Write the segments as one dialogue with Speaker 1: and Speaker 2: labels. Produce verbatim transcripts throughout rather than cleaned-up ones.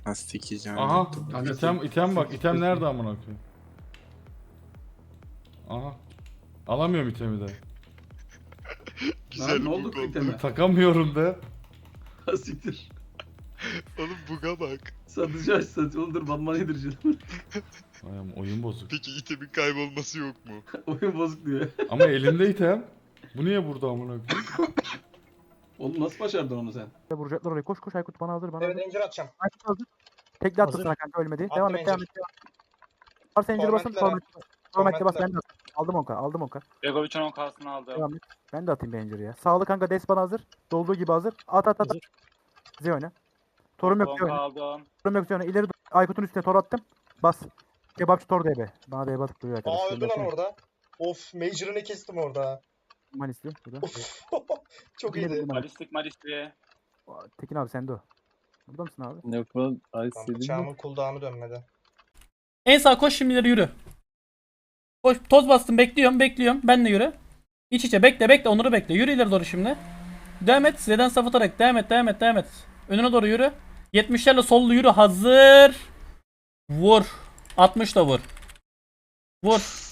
Speaker 1: Lastik
Speaker 2: Aha. İtem, item bak. İtem nerede amına koyayım? Aha. Alamıyorum itemi de.
Speaker 3: Güzel
Speaker 4: Lan ne oldu
Speaker 3: bug
Speaker 4: bu
Speaker 3: oldu.
Speaker 4: iteme?
Speaker 2: Takamıyorum da.
Speaker 4: Ha siktir.
Speaker 3: Oğlum buga bak.
Speaker 4: Satıcı aç satıcı. Oğlum dur banman yedireceğim.
Speaker 2: Ay ama oyun bozuk.
Speaker 3: Peki itemin kaybolması yok mu?
Speaker 4: Oyun bozuk diyor.
Speaker 2: Ama elimde item. Bu niye burada amına koyayım?
Speaker 4: Oğlum nasıl başardın onu sen?
Speaker 5: Vuracaklar oraya. Koş koş Aykut bana hazır bana
Speaker 6: Evet
Speaker 5: hazır.
Speaker 6: Ranger atacağım.
Speaker 5: Aykut hazır. Tekli attı
Speaker 6: Hazır.
Speaker 5: sana kanka ölmedi.
Speaker 6: Attım
Speaker 5: Devam et devam
Speaker 6: Ranger.
Speaker 5: et. Devam et. Var Ranger basın.
Speaker 6: Tormentlere.
Speaker 5: Torment. Torment'e bas
Speaker 6: Tormentlere.
Speaker 5: ben de atayım. Aldım onka aldım onka.
Speaker 7: Begovic'in on kasını aldım.
Speaker 5: Devam et. Ben de atayım Ranger'ı ya. Sağlı kanka Des bana hazır. Dolduğu gibi hazır. At at at. at. Bize oyna. Torum yok
Speaker 7: on
Speaker 5: bize oyna.
Speaker 7: aldım.
Speaker 5: Torum yok bize oyna. İleri dur. Aykut'un üstüne tor attım. Bas. Kebapçı tor D B. Bana D B atıp duruyor arkadaş.
Speaker 6: Aa öldü lan
Speaker 5: Göndersene.
Speaker 6: orada. Of Major'ını kestim orada.
Speaker 5: Manisli. Burada.
Speaker 6: Of. Çok
Speaker 5: Yine
Speaker 6: iyiydi.
Speaker 5: bildim abi.
Speaker 7: Malistik malistik.
Speaker 5: Tekin abi sende o. Burada mısın abi?
Speaker 8: Yok lan
Speaker 6: Lan
Speaker 8: Ice
Speaker 6: bıçağımın cooldown'u dönmedi.
Speaker 9: En sağ koş şimdi ileri yürü. Koş, toz bastım bekliyorum bekliyorum. Ben de yürü. İç içe bekle bekle Onur'u bekle. Yürü ileri doğru şimdi. Devam et. Z'den saf atarak devam et devam et devam et. Önüne doğru yürü. yetmişlerle sollu yürü hazır. Vur. altmışla vur. Vur.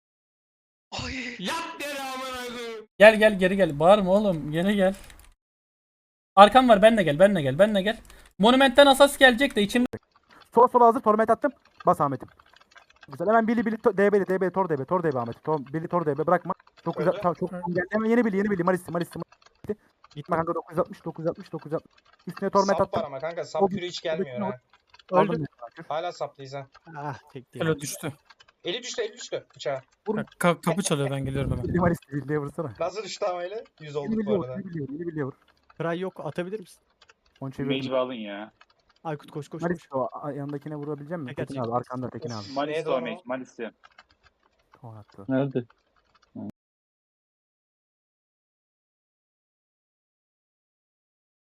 Speaker 9: Gel gel geri gel. Bağırma oğlum. Geri gel. Arkam var benle gel benle gel benle gel. Monumentten asas gelecek de içimde.
Speaker 5: Sola sola hazır. Torment attım. Bas Ahmet'im. Güzel. Hemen Billy Billy to- D B'li D B Tor D B Tor D B Ahmet. Tor, Billy Tor D B bırakma. dokuz yüz
Speaker 6: Öyle.
Speaker 5: tamam çok geldi. Hemen yeni Billy yeni Billy Malisti Malisti. Gitme kanka dokuz yüz altmış dokuz yüz altmış dokuz yüz altmış. Üstüne Torment
Speaker 6: Sap var
Speaker 5: attım.
Speaker 6: ama kanka
Speaker 5: O
Speaker 6: sap
Speaker 5: bir-
Speaker 6: yürü hiç gelmiyor ha.
Speaker 5: Aldım.
Speaker 6: Hala saplıyız ha.
Speaker 10: Ah tek değil.
Speaker 11: Alo düştü.
Speaker 6: Eli düştü eli düştü bıçağa.
Speaker 11: Ka- kapı çalıyor ben geliyorum hemen.
Speaker 5: Billy Malisti Billy'ye vursana.
Speaker 6: Nasıl düştü ama eli? yüz
Speaker 5: Yeni
Speaker 6: olduk
Speaker 5: Billy'ye
Speaker 6: bu
Speaker 5: vur.
Speaker 6: arada.
Speaker 5: Yeni Billy'ye vur. Yeni Billy'ye vur.
Speaker 10: Fry yok atabilir misin?
Speaker 5: Onu çevirdim.
Speaker 7: Mage'i alın ya.
Speaker 10: Aykut koş koş koş.
Speaker 5: Malisti o a- yanındakine vurabilecek misin?
Speaker 10: Teker
Speaker 5: Tekin
Speaker 10: çek.
Speaker 5: abi arkanda Tekin abi.
Speaker 7: Malistik
Speaker 6: doğru?
Speaker 7: o Mage. Malistik.
Speaker 5: Tamam attı.
Speaker 8: Nerede?